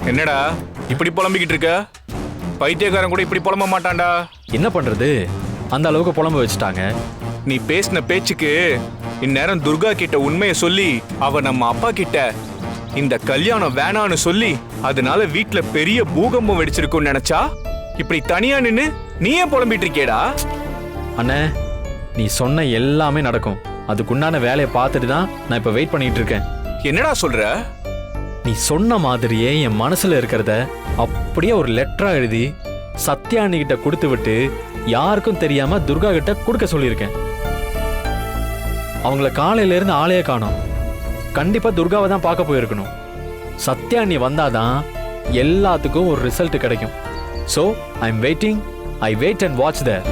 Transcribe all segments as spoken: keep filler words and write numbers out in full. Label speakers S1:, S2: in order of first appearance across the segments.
S1: என்னடா இப்படி புலம்பிக்கிட்டு இருக்க? பைத்தியக்காரன் கூட இப்படி புலம்ப மாட்டான்டா.
S2: என்ன பண்றது, அந்த அளவுக்கு புலம்ப வச்சுட்டாங்க.
S1: நீ பேசின பேச்சுக்கு இந்நேரம் துர்கா கிட்ட உண்மையை சொல்லி அவ நம்ம அப்பா கிட்ட இந்த கல்யாணம் வேணான்னு சொல்லி அதனால வீட்டுல பெரிய பூகம்பம் வெடிச்சிருக்கும்னு நினைச்சா இப்படி தனியா நின்னு நீயே புலம்பிட்டு இருக்கேடா.
S2: அண்ணே, நீ சொன்ன எல்லாமே நடக்கும். அதுக்குண்டான வேலையை பார்த்துட்டு தான் நான் இப்ப வெயிட் பண்ணிட்டு இருக்கேன்.
S1: என்னடா சொல்ற?
S2: நீ சொன்ன மாதிரியே என் மனசுல இருக்கிறத அப்படியே ஒரு லெட்டரா எழுதி சத்யா அண்ணிகிட்ட கொடுத்து விட்டு யாருக்கும் தெரியாம துர்கா கிட்ட கொடுக்க சொல்லியிருக்கேன். அவங்கள காலையில இருந்து ஆளையே காணோம். கண்டிப்பா துர்காவை தான் பார்க்க போயிருக்கணும். சத்யா அண்ணி வந்தாதான் எல்லாத்துக்கும் ஒரு ரிசல்ட் கிடைக்கும். So I am waiting. I wait and watch there.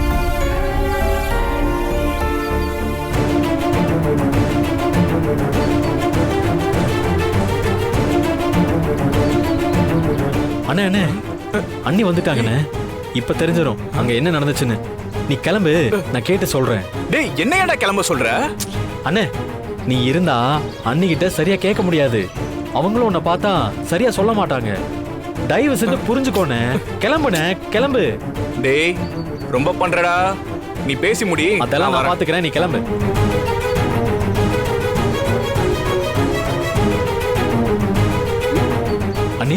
S2: அண்ணே அண்ணே, அண்ணி வந்துட்டாங்கண்ணே. இப்ப தெரிஞ்சிடும் அங்க என்ன நடந்துச்சுன்னு. நீ கிளம்பு, நான் கேட்டு சொல்றேன்.
S1: டேய், என்னையடா கிளம்ப சொல்ற?
S2: அண்ணே, நீ இருந்தா அண்ணி கிட்ட சரியா கேட்க முடியாது. அவங்களும் உன்னை பார்த்தா சரியா சொல்ல மாட்டாங்க. தயவு செஞ்சு புரிஞ்சுக்கோனே. கிளம்புனே, கிளம்பு.
S1: டேய், ரொம்ப பண்றடா. நீ பேசி முடி.
S2: அதெல்லாம் நான் பாத்துக்கிறேன், நீ கிளம்பு. அண்ணி,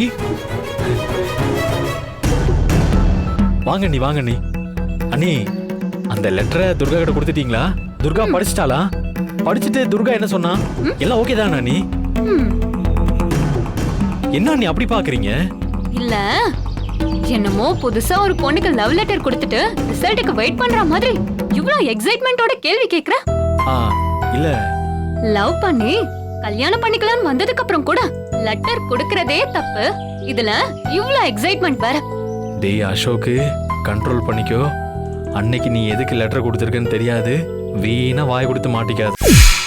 S2: வாங்க நீ வாங்க நீ. அண்ணி, அந்த லெட்டரை துர்கா கிட்ட கொடுத்துட்டீங்களா? துர்கா படிச்சிட்டாளா? படிச்சுட்டு துர்கா என்ன சொன்னா? எல்லாம் ஓகே தானா நீ? என்ன நீ அப்படி பாக்குறீங்க?
S3: இல்ல, என்னமோ புதுசா ஒரு பொண்ணுக்கு லவ் லெட்டர் கொடுத்துட்டு ரிசல்ட்டுக்கு வெயிட் பண்ற மாதிரி இவ்வளவு எக்ஸைட்மெண்டோட கேள்வி கேக்குற?
S2: ஆ, இல்ல.
S3: லவ் பண்ணி கல்யாணம் பண்ணிக்கலாம்னு வந்ததுக்கு அப்புறம் கூட லெட்டர் கொடுக்கறதே தப்பு. இதுல இவ்வளவு எக்ஸைட்மெண்ட் வேற.
S2: டேய் அசோக்கு, கண்ட்ரோல் பண்ணிக்கோ. அன்னைக்கு நீ எதுக்கு லெட்டர் கொடுத்துருக்கன்னு தெரியாது. வீணா வாய் கொடுத்து மாட்டிக்காது.